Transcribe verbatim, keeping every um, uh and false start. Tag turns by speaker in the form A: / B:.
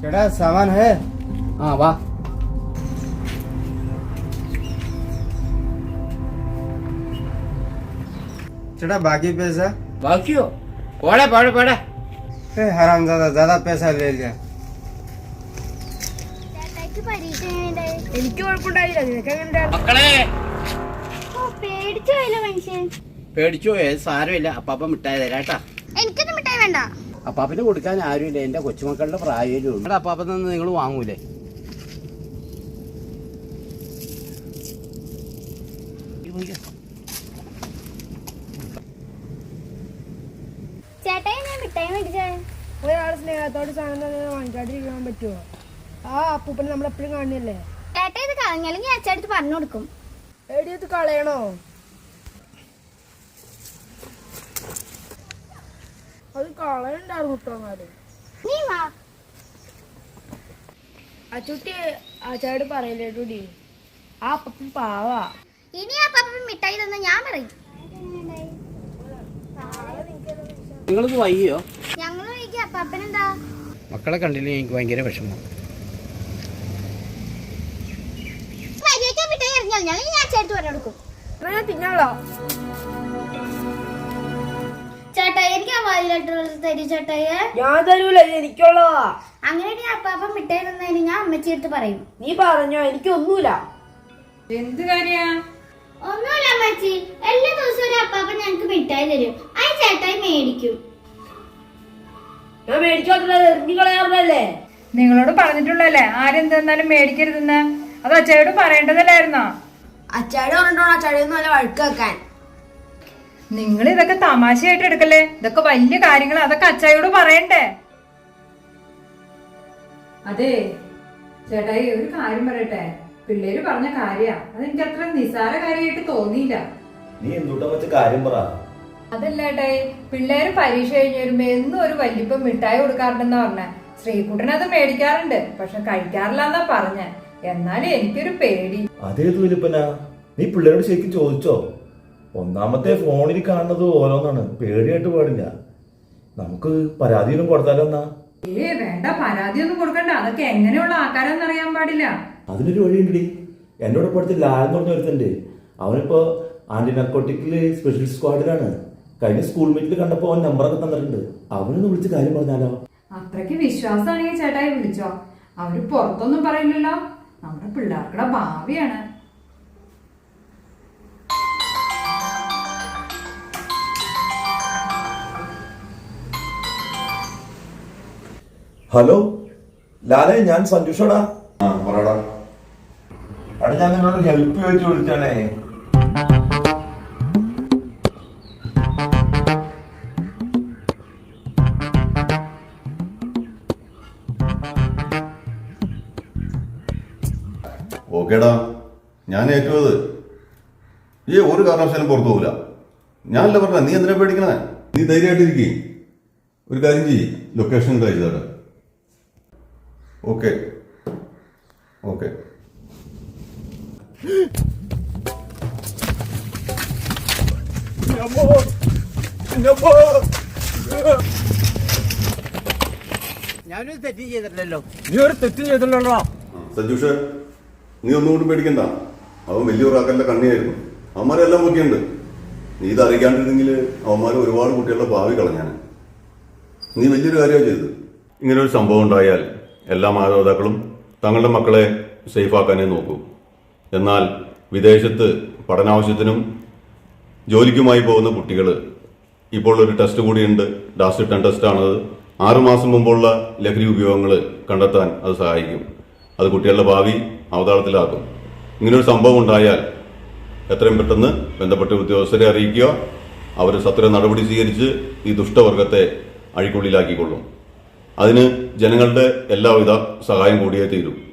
A: केड़ा सामान है?
B: हाँ वाह
A: चढ़ा बाकी पैसा?
B: ബാക്കിയോ പോടെ പോടെ പോടെ
A: हरामजादा ज्यादा पैसा ले लिया।
C: എനിക്ക് കുഴപ്പമുണ്ടായില്ല, നിനക്ക് എങ്ങനെ?
B: മക്കളെ
C: പേടിച്ചു പോയല്ലോ മനുഷ്യൻ.
B: പേടിച്ചോ ഏത് സാരമില്ല, അപ്പാപ്പ മിഠായി തരാട്ടാ.
C: എനിക്കൊന്നും മിഠായി വേണ്ട.
B: അപ്പാപ്പന് കൊടുക്കാൻ ആരുമില്ല, എന്റെ കൊച്ചുമക്കളുടെ പ്രായമേ ഉള്ളൂ. അപ്പാപ്പൻ നിന്ന് നിങ്ങൾ വാങ്ങൂലേ?
C: ചേട്ടായി ഞാൻ മിഠായി മേടിച്ചേ.
D: ഒരാൾ സ്നേഹത്തോട് സാധനം തന്നെ വാങ്ങിക്കാണ്ടിരിക്കാൻ പറ്റുമോ? ആ അപ്പൂപ്പനെ നമ്മൾ എപ്പോഴും കാണുന്നില്ലേ?
C: ചേട്ടാ ഇത് കളഞ്ഞാലും ഞാൻ അച്ഛടുത്ത് പറഞ്ഞു കൊടുക്കും.
D: എടിയത് കളയണോ? അത് കളയണ്ടായിരുന്നു കുട്ടോങ്ങാല്.
C: നീ വാ.
D: അച്ചുട്ടി അച്ചാട് പറയല്ലേട്ടൂടി, ആ അപ്പൂപ്പൻ പാവാ.
C: ഇനി ആ പാപ്പ മിഠായി തന്ന ഞാൻ പറയും.
B: നിങ്ങളിത് വൈകിയോ?
C: ഞങ്ങൾ വൈകി, അപ്പാപ്പനെന്താ?
B: മക്കളെ കണ്ടില്ലേ എനിക്ക് ഭയങ്കര വിഷമം.
C: മിഠായി എറിഞ്ഞാൽ ഞാൻ അച്ഛടുത്ത് പറഞ്ഞു കൊടുക്കും.
D: ഞാൻ തിന്നാളോ?
C: ചേട്ടാ എനിക്ക് ആ വായിലിട്ട് തരും ചേട്ടായി.
D: ഞാൻ തരൂല, ഇത് എനിക്കുള്ളതാ.
C: അങ്ങനെ അപ്പാപ്പ മിഠായി തന്നതിന് ഞാൻ അമ്മച്ചി എടുത്ത് പറയും.
D: നീ പറഞ്ഞോ, എനിക്കൊന്നുമില്ല.
E: എന്ത് കാര്യ?
C: ഒന്നുമില്ല അമ്മച്ചി, എല്ലാ ദിവസവും ഒരു അപ്പാപ്പ ഞങ്ങക്ക് മിഠായി തരും, അത് ചേട്ടായി മേടിക്കും.
D: ഞാൻ മേടിച്ചോട്ടില്ല, എറിഞ്ഞു കളയാറുള്ളല്ലേ?
E: നിങ്ങളോട് പറഞ്ഞിട്ടുള്ളല്ലേ ആരും തന്നാലും മേടിക്കരുതെന്ന്? അത് അച്ചായോട് പറയേണ്ടതല്ലായിരുന്നോ?
D: അച്ചാട് പറഞ്ഞിട്ടോ അച്ചാടിയൊന്നും നല്ല വഴുക്ക് വെക്കാൻ.
E: നിങ്ങൾ ഇതൊക്കെ തമാശയായിട്ട് എടുക്കല്ലേ? ഇതൊക്കെ വലിയ കാര്യങ്ങൾ, അതൊക്കെ അച്ചായോട് പറയണ്ടേ? അതെ ചേട്ടായി, ഒരു കാര്യം പറയട്ടെ. പിള്ളേര് പറഞ്ഞ കാര്യ, അതെനിക്ക് അത്ര നിസാര കാര്യമായിട്ട് തോന്നിയില്ല.
F: നീ എന്തുട്ടാ വെച്ച കാര്യം പറ.
E: അതല്ല ഏട്ടായി, പിള്ളേര് പരീക്ഷ കഴിഞ്ഞ് വരുമ്പോ എന്നും ഒരു വല്യപ്പം മിഠായി കൊടുക്കാറുണ്ടെന്നാ പറഞ്ഞേ. ശ്രീകുട്ടൻ അത് മേടിക്കാറുണ്ട്, പക്ഷെ കഴിക്കാറില്ലെന്നാ പറഞ്ഞേ. എന്നാലും എനിക്കൊരു പേടി.
F: അതേത് വലിപ്പനാ? നീ പിള്ളേരോട് ശരിക്കും ചോദിച്ചോ? ഒന്നാമത്തെ ഫോണിൽ കാണുന്നത് ഓരോന്നാണ്, പേടിയായിട്ട് പാടില്ല. നമുക്ക് പരാതിയൊന്നും കൊടുത്താലോ എന്നാ?
E: ഏ വേണ്ട, പരാതിയൊന്നും കൊടുക്കണ്ട. അതൊക്കെ എങ്ങനെയുള്ള ആൾക്കാരെന്ന് അറിയാൻ പാടില്ല.
F: അതിനൊരു വഴിയുണ്ടടി. എന്നോട് ഇപ്പോഴത്തെ ലാൽ എന്ന് പറഞ്ഞ ഒരുത്തണ്ട്, അവനിപ്പോ ആന്റി നർക്കോട്ടിക്കില് സ്പെഷ്യൽ സ്ക്വാഡിലാണ്. കഴിഞ്ഞ സ്കൂൾ മീറ്റിൽ കണ്ടപ്പോ അവൻ നമ്പറൊക്കെ തന്നിട്ടുണ്ട്. അവനൊന്ന് വിളിച്ച് കാര്യം പറഞ്ഞാലോ?
E: അത്രയ്ക്ക് വിശ്വാസമാണെങ്കിൽ ചേട്ടായി വിളിച്ചോ. അവര് പുറത്തൊന്നും പറയില്ലല്ലോ, നമ്മുടെ പിള്ളേർക്കുടെ ഭാവിയാണ്.
F: ഹലോ ലാലേ, ഞാൻ സഞ്ജുഷടാ. അവിടെ ഞാൻ നിന്നോട് ഹെൽപ്പ് ചോദിച്ചു വിളിച്ചാണേ.
G: ഓക്കേടാ, ഞാൻ ഏറ്റുന്നത്. ഈ ഒരു കാരണവശാലും പുറത്തു പോകില്ല. ഞാനല്ല പറഞ്ഞ, നീ എന്തിനാ പേടിക്കണേ? നീ ധൈര്യമായിട്ടിരിക്കേ. ഒരു കാര്യം ചെയ്യ്, ലൊക്കേഷൻ കഴിച്ചതാട്ടെ. Okay okay.
B: ഞാനൊരു തെറ്റും ചെയ്തിട്ടില്ലല്ലോ.
A: നീ ഒരു തെറ്റും ചെയ്തില്ലല്ലോ.
G: സഞ്ജുഷ്, നീ ഒന്നുകൊണ്ടും പേടിക്കണ്ട. അവൻ വലിയൊരാക്കല്ല കണ്ണിയായിരുന്നു. അവന്മാരെല്ലാം നോക്കിയുണ്ട്. നീ ഇത് അറിയിക്കാണ്ടിരുന്നെങ്കിൽ അവന്മാർ ഒരുപാട് കുട്ടികളുടെ ഭാവി കളഞ്ഞാണ്. നീ വലിയൊരു കാര്യമാണ് ചെയ്തത്. ഇങ്ങനെ ഒരു സംഭവം ഉണ്ടായാൽ എല്ലാ മാതാപിതാക്കളും തങ്ങളുടെ മക്കളെ സേഫാക്കാനേ നോക്കൂ. എന്നാൽ വിദേശത്ത് പഠനാവശ്യത്തിനും ജോലിക്കുമായി പോകുന്ന കുട്ടികൾ, ഇപ്പോൾ ഒരു ടെസ്റ്റ് കൂടിയുണ്ട്, ഡാസ് ടെൻ ടെസ്റ്റാണത്. ആറുമാസം മുമ്പുള്ള ലഹരി ഉപയോഗങ്ങൾ കണ്ടെത്താൻ അത് സഹായിക്കും. അത് കുട്ടികളുടെ ഭാവി അവതാളത്തിലാക്കും. ഇങ്ങനൊരു സംഭവം ഉണ്ടായാൽ എത്രയും പെട്ടെന്ന് ബന്ധപ്പെട്ട ഉദ്യോഗസ്ഥരെ അറിയിക്കുക. അവർ സത്വര നടപടി സ്വീകരിച്ച് ഈ ദുഷ്ടവർഗത്തെ അഴിക്കുള്ളിലാക്കിക്കൊള്ളും. അതിന് ജനങ്ങളുടെ എല്ലാവിധ സഹായം കൂടിയേ തീരും.